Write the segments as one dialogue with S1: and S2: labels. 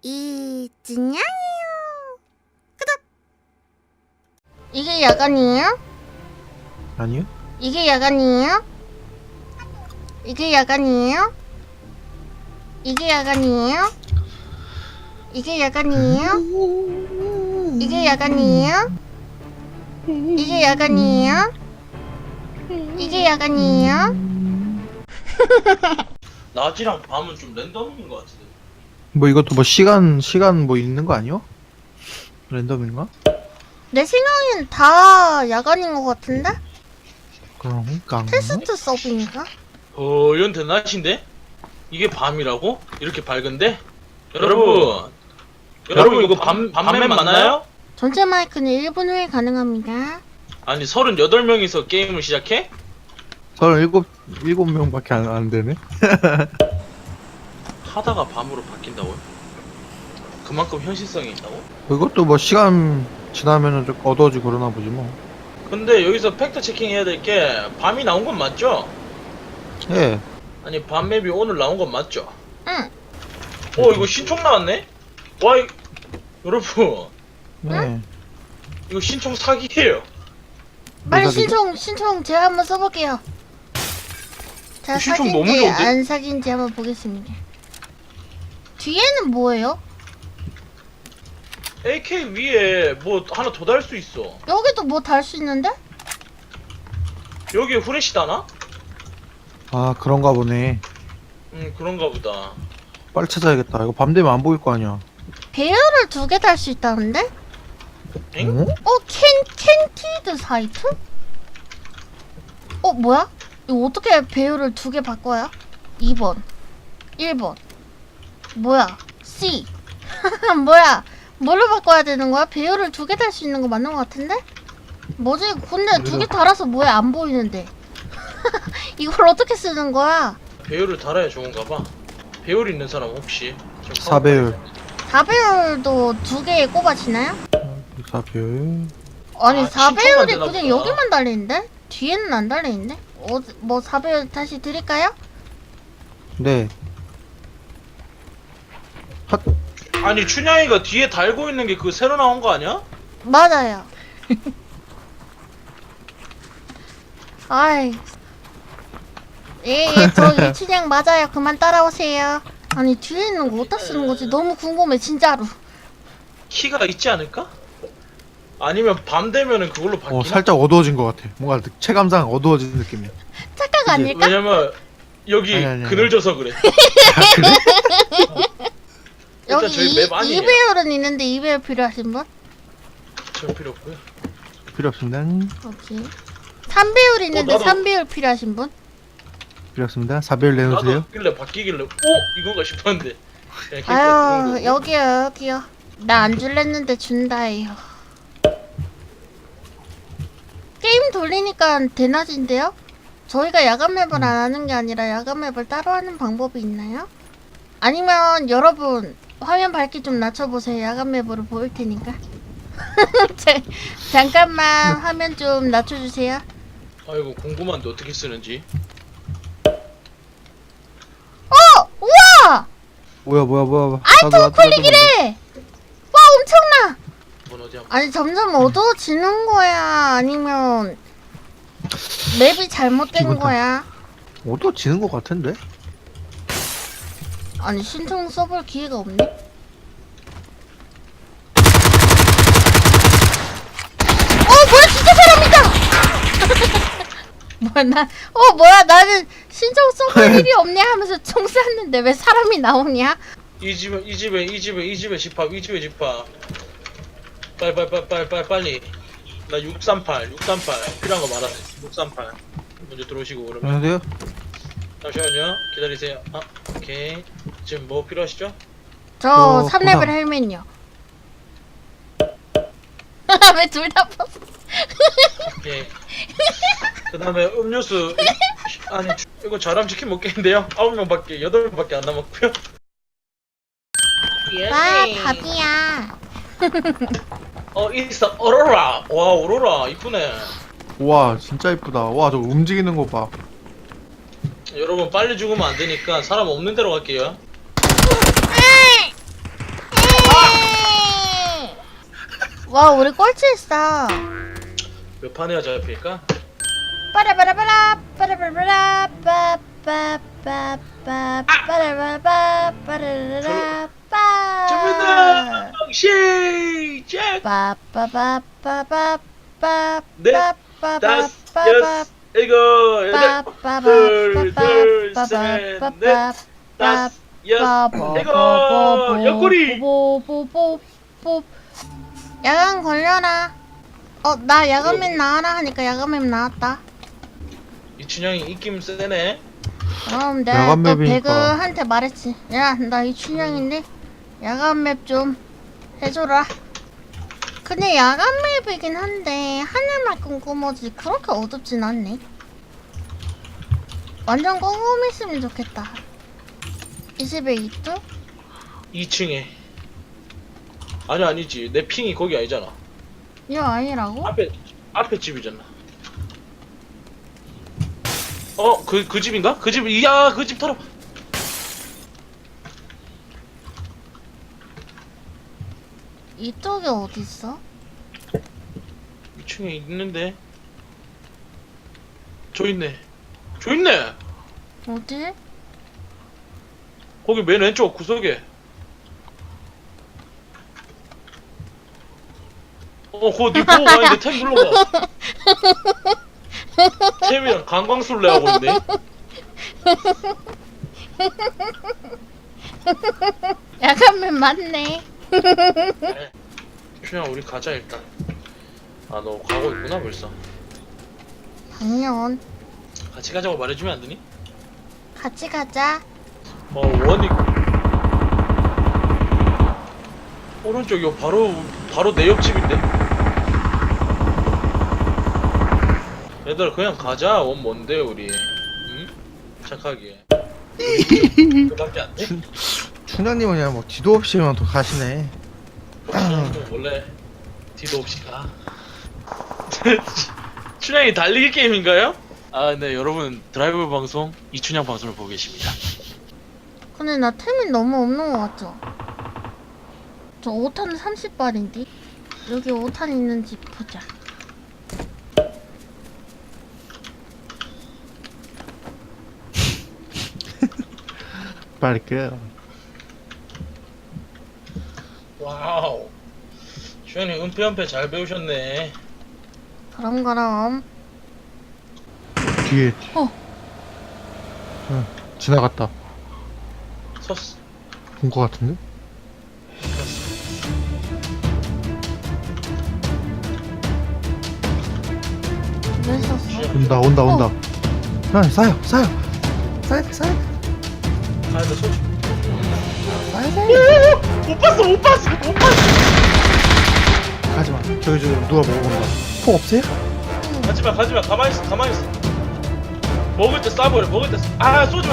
S1: 이진양이요. 끄덕. 이게 야간이에요?
S2: 아니요?
S1: 이게 야간이에요? 이게 야간이에요? 이게 야간이에요? 이게 야간이에요? 이게 야간이에요? 이게 야간이에요? 이게 야간이에요?
S3: 낮이랑 밤은 좀 랜덤인 것 같은데.
S2: 뭐 이것도 뭐 시간 뭐 있는 거 아니요? 랜덤인가?
S1: 내 생각엔 다 야간인 것 같은데?
S2: 그런가?
S1: 테스트 서브인가?
S3: 이건 대낮인데? 이게 밤이라고? 이렇게 밝은데? 여러분 이거 밤맨 맞나요?
S1: 전체 마이크는 1분 후에 가능합니다.
S3: 아니 38명이서 게임을 시작해?
S2: 37명밖에 안 되네?
S3: 하다가 밤으로 바뀐다고요? 그만큼 현실성이 있다고?
S2: 이것도 뭐 시간 지나면은 좀 어두워지고 그러나 보지 뭐.
S3: 근데 여기서 팩트 체킹 해야 될 게 밤이 나온 건 맞죠?
S2: 예.
S3: 아니 밤맵이 오늘 나온 건 맞죠?
S1: 응.
S3: 이거 신총 나왔네? 여러분
S2: 예.
S3: 이거 신총 사기예요.
S1: 빨리
S2: 사기죠?
S1: 신청 제가 한번 써볼게요. 자,
S3: 신청 너무
S1: 사귄지
S3: 좋은데?
S1: 안 사귄지 한번 보겠습니다. 뒤에는 뭐예요?
S3: AK 위에 뭐 하나 더 달 수 있어.
S1: 여기도 뭐 달 수 있는데?
S3: 여기에 후레쉬 다나?
S2: 아 그런가 보네.
S3: 그런가 보다.
S2: 빨리 찾아야겠다. 이거 밤 되면 안 보일 거 아니야.
S1: 배열을 2개 달 수 있다는데?
S3: 엥?
S2: 어?
S1: 캔티드 사이트? 뭐야? 이거 어떻게 배열을 2개 바꿔야? 2번 1번 뭐야? C 뭐야? 뭘로 바꿔야 되는 거야? 배열을 2개 달 수 있는 거 맞는 거 같은데? 뭐지? 근데 2개 달아서 뭐야? 안 보이는데 이걸 어떻게 쓰는 거야?
S3: 배율을 달아야 좋은가 봐. 배율 있는 사람 혹시?
S2: 4배율.
S1: 4배열도 2개에 꼽아지나요?
S2: 4배율.
S1: 아니
S3: 아,
S1: 4배열이
S3: 신청만 되나
S1: 그냥
S3: 보다.
S1: 여기만 달리는데? 뒤에는 안 달리는데? 뭐 4배열 다시 드릴까요?
S2: 네. 핫.
S3: 아니 춘향이가 뒤에 달고 있는 게 그 새로 나온 거 아니야?
S1: 맞아요. 아이. 저 이춘향 맞아요. 그만 따라오세요. 아니 뒤에 있는 거 어디다 쓰는 거지? 너무 궁금해 진짜로.
S3: 키가 있지 않을까? 아니면 밤 되면은 그걸로 바뀌나?
S2: 살짝 어두워진 것 같아. 뭔가 체감상 어두워진 느낌이야.
S1: 착각 아닐까?
S3: 왜냐면 여기
S2: 아니.
S3: 그늘져서 그래.
S2: 그래?
S3: 일단
S1: 여기
S3: 저희 맵 아니에요.
S1: 2배열은 있는데 2배열 필요하신 분?
S3: 저 필요 없고요.
S2: 필요 없습니다.
S1: 오케이. 3배열 있는데
S3: 나도-
S1: 3배열 필요하신 분?
S2: 필요 없습니다. 4배율 내놓으세요.
S3: 나도 길래 바뀌길래 이건가 싶었는데. 그냥 캐릭터
S1: 아유
S3: 그런 거고.
S1: 여기요. 나 안 줄랬는데 준다예요. 게임 돌리니까 대낮인데요? 저희가 야간 맵을 안 하는 게 아니라 야간 맵을 따로 하는 방법이 있나요? 아니면 여러분 화면 밝기 좀 낮춰보세요. 야간 맵으로 보일 테니까. 잠깐만 화면 좀 낮춰주세요.
S3: 아이고 궁금한데 어떻게 쓰는지.
S1: 우와!
S2: 뭐야.
S1: 알트 클릭이래! 와 엄청나!
S3: 이건 어디 한번.
S1: 아니 점점 어두워지는 거야? 아니면 맵이 잘못된
S2: 기분 탓.
S1: 거야?
S2: 어두워지는 것 같은데?
S1: 아니 신청 써볼 기회가 없네? 뭐야 진짜 사람이다! 뭐야 나는 신청 써볼 일이 없네 하면서 총 쐈는데 왜 사람이 나오냐?
S3: 이 집에 집합 빨리 나 638 필요한 거 말하세요. 638 먼저 들어오시고 그러면
S2: 안녕하세요.
S3: 잠시만요 기다리세요. 오케이 지금 뭐 필요하시죠?
S1: 저 3레벨
S2: 보상.
S1: 헬멧요. 왜 둘 다 벗어?
S3: 오케이 그 다음에 음료수 아니 이거 저랑 치킨 먹겠는데요? 9명밖에 8명밖에 안 남았고요.
S1: 와 밥이야.
S3: 있어 오로라. 와 오로라 이쁘네.
S2: 와 진짜 이쁘다. 와 저 움직이는 거 봐.
S3: 여러분 빨리 죽으면 안 되니까 사람 없는 데로 갈게요.
S1: 와 우리 꼴찌했어.
S3: 몇 판이야 잡힐까?
S1: 빠라바라바라 빠라바라바라 빠빠빠빠 빠라바라바 빠라라라 빠.
S3: 준비다 시작.
S1: 빠빠빠빠빠
S3: 넷,
S1: 빠빠빠빠
S3: 다섯, 여섯, 일곱, 여덟, 둘, 둘, 셋, 넷, 다섯, 여섯, 일곱, 옆구리.
S1: 야간 걸려라. 나 야간맵 나와라 하니까 야간맵 나왔다.
S3: 이춘향이 입김 세네.
S1: 그럼 내가 또
S2: 야간맵이니까.
S1: 배그한테 말했지. 야, 나 이춘향인데 야간맵 좀 해줘라. 근데 야간맵이긴 한데 하늘만 꼼꼼하지 그렇게 어둡진 않네. 완전 꼼꼼했으면 좋겠다. 21도?
S3: 2층에. 아니지. 내 핑이 거기 아니잖아.
S1: 이거 아니라고?
S3: 앞에 집이잖아. 그 집인가? 그 집, 야, 그 집 털어.
S1: 이쪽에 어딨어?
S3: 2층에 있는데. 저 있네. 저 있네.
S1: 어디?
S3: 거기 맨 왼쪽 구석에. 그거 니 보고 가는데 템 눌러봐. 템이랑 강광술래 하고 있네.
S1: 야간맵 맞네.
S3: 춘향 우리 가자 일단. 아 너 가고 있구나 벌써.
S1: 당연.
S3: 같이 가자고 말해주면 안 되니?
S1: 같이 가자.
S3: 원이 오른쪽이요. 바로 내 옆집인데. 얘들아 그냥 가자. 원 뭔데 우리? 응? 착하게. 그밖에 안 돼?
S2: 춘향님은 그냥 뭐 뒤도 없이 그냥 또 가시네.
S3: 춘향이도 원래 뒤도 없이 가. 춘향이 달리기 게임인가요? 네 여러분 드라이브 방송 이춘향 방송을 보고 계십니다.
S1: 근데 나 템이 너무 없는 것 같죠? 저 5탄 30발인데? 여기 5탄 있는지 보자.
S2: 빨리 끄.
S3: 와우. 춘향이 은폐 잘 배우셨네.
S1: 그럼.
S2: 뒤에. 응, 지나갔다.
S3: 섰어.
S2: 본 거 같은데?
S1: 왜 썼어?
S2: 온다. 형, 싸요. 싸야 돼.
S3: 나 소주.
S2: 싸야 돼.
S3: 못 봤어.
S2: 가지마. 저기 누가 먹어본다. 폭 없어요?
S3: 가지마. 가만히 있어. 먹을 때 쏴버려. 쏘지마.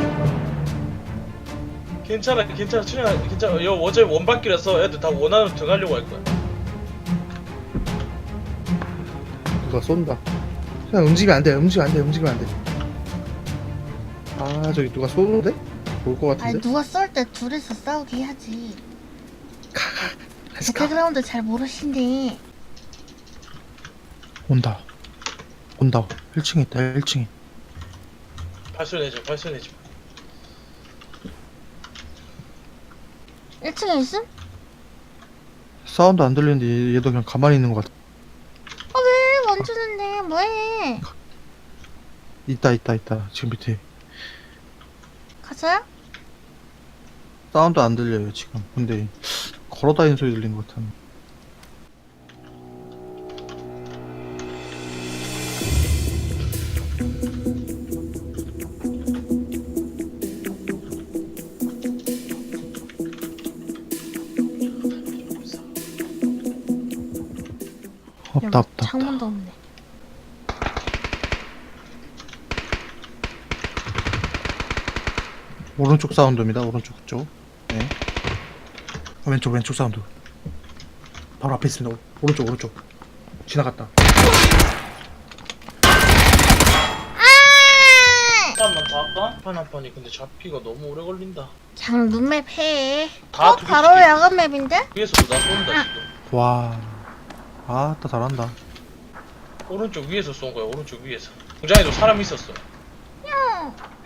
S3: 괜찮아. 춘향아, 괜찮아. 어차피 원바퀴라서 애들 다 원안으로 들어가려고 할 거야.
S2: 누가 쏜다. 그냥 움직이면 안 돼. 아, 저기 누가 쏘는데? 올 거
S1: 아니
S2: 같은데?
S1: 누가 쏠 때 둘이서 싸우게 해야지.
S2: Let's go.
S1: 배그라운드 잘 모르신데.
S2: 온다. 1층에 있다. 1층에.
S3: 발소리 내지 마.
S1: 1층에 있음?
S2: 사운드 안 들리는데 얘도 그냥 가만히 있는 것 같아.
S1: 왜 멈추는데 뭐해?
S2: 있다. 지금 밑에.
S1: 가자.
S2: 사운드 안 들려요 지금. 근데 걸어다니는 소리 들린 것 같아. 없다.
S1: 창문도 없네.
S2: 오른쪽 사운드입니다. 오른쪽 쪽. 네. 왼쪽 사운드. 바로 앞에 있습니다. 오른쪽. 지나갔다.
S3: 한판만 더 할까? 한 판이 근데 잡기가 너무 오래 걸린다.
S1: 그냥 눈맵 해.
S3: 다
S1: 바로 야간 맵인데?
S3: 위에서도 나 쏜다 지금.
S2: 와. 아따 잘한다.
S3: 오른쪽 위에서 쏜 거야. 오른쪽 위에서. 공장에도 사람 있었어.
S1: 응.